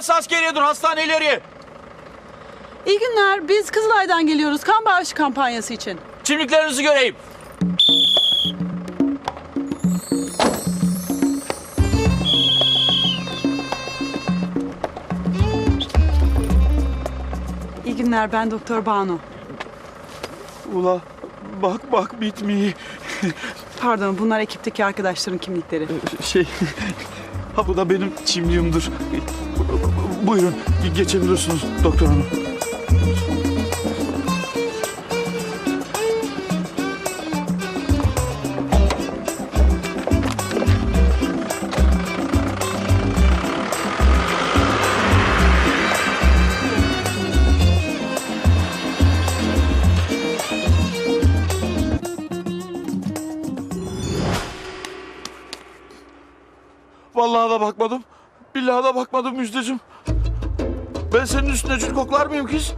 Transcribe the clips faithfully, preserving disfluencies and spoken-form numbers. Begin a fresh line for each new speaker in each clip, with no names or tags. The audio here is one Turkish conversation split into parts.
Burası askeriye, dur hastane ileriye.
İyi günler. Biz Kızılay'dan geliyoruz kan bağışı kampanyası için.
Kimliklerinizi göreyim.
İyi günler. Ben Doktor Banu.
Ula bak bak bitmiyor.
Pardon, bunlar ekipteki arkadaşların kimlikleri.
Şey, ha bu da benim kimliğimdir. Buyurun geçebilirsiniz doktor hanım. Vallahi da bakmadım. Billahi da bakmadım Müjdeciğim. Ben senin üstüne cül koklar mıyım kız?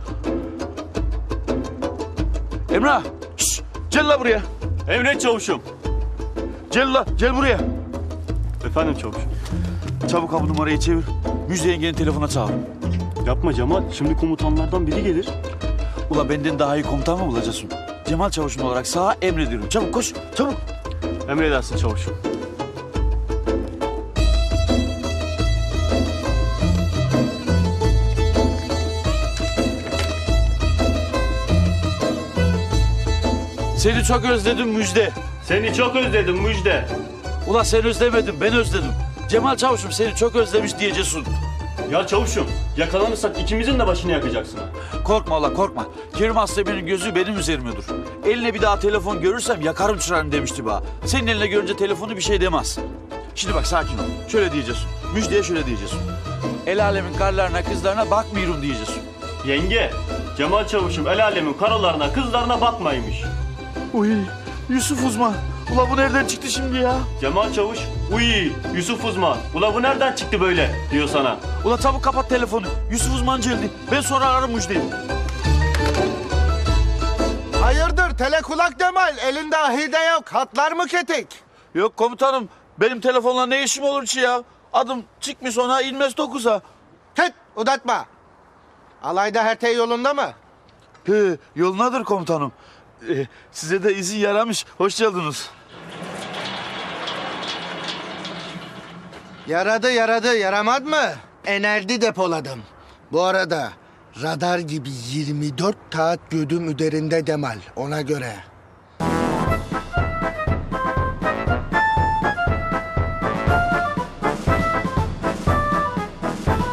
Emrah, şşş, gel la buraya.
Emret çavuşum.
Gel la, gel buraya.
Efendim çavuşum.
Çabuk ha bu numarayı çevir. Müjde yengenin telefona çağır.
Yapma Cemal. Şimdi komutanlardan biri gelir.
Ula benden daha iyi komutan mı bulacaksın? Cemal Çavuş'un olarak sağa emrediyorum. Çabuk koş, çabuk.
Emredersin çavuşum.
Seni çok özledim Müjde.
Seni çok özledim Müjde.
Ula sen özlemedin, ben özledim. Cemal Çavuş'um seni çok özlemiş diyeceksin.
Ya çavuşum, yakalanırsak ikimizin de başını yakacaksın.
Korkma ula korkma. Kerim Aslemen'in gözü benim üzerimedir. Eline bir daha telefon görürsem yakarım çırağını demişti bana. Senin eline görünce telefonu bir şey demez. Şimdi bak sakin ol. Şöyle diyeceksin. Müjde'ye şöyle diyeceksin. El alemin karlarına kızlarına bakmıyorum diyeceksin.
Yenge, Cemal çavuşum el alemin karalarına kızlarına bakmaymış.
Uy Yusuf uzman. Ula bu nereden çıktı şimdi ya?
Cemal çavuş, uy Yusuf uzman. Ula bu nereden çıktı böyle diyor sana.
Ula çabuk kapat telefonu. Yusuf uzman geldi. Ben sonra ararım Müjde'yi.
Hayırdır telekulak Cemal? Elinde ahide yok. Hatlar mı ketik?
Yok komutanım. Benim telefonla ne işim olur ki ya? Adım çıkmış ona inmez dokuza.
Tüt uzatma. Alayda her şey yolunda mı?
He, yolunadır komutanım. Ee, size de izin yaramış. Hoş geldiniz.
Yaradı yaradı yaramaz mı? Enerji depoladım. Bu arada radar gibi yirmi dört saat gödüm üzerinde Cemal ona göre.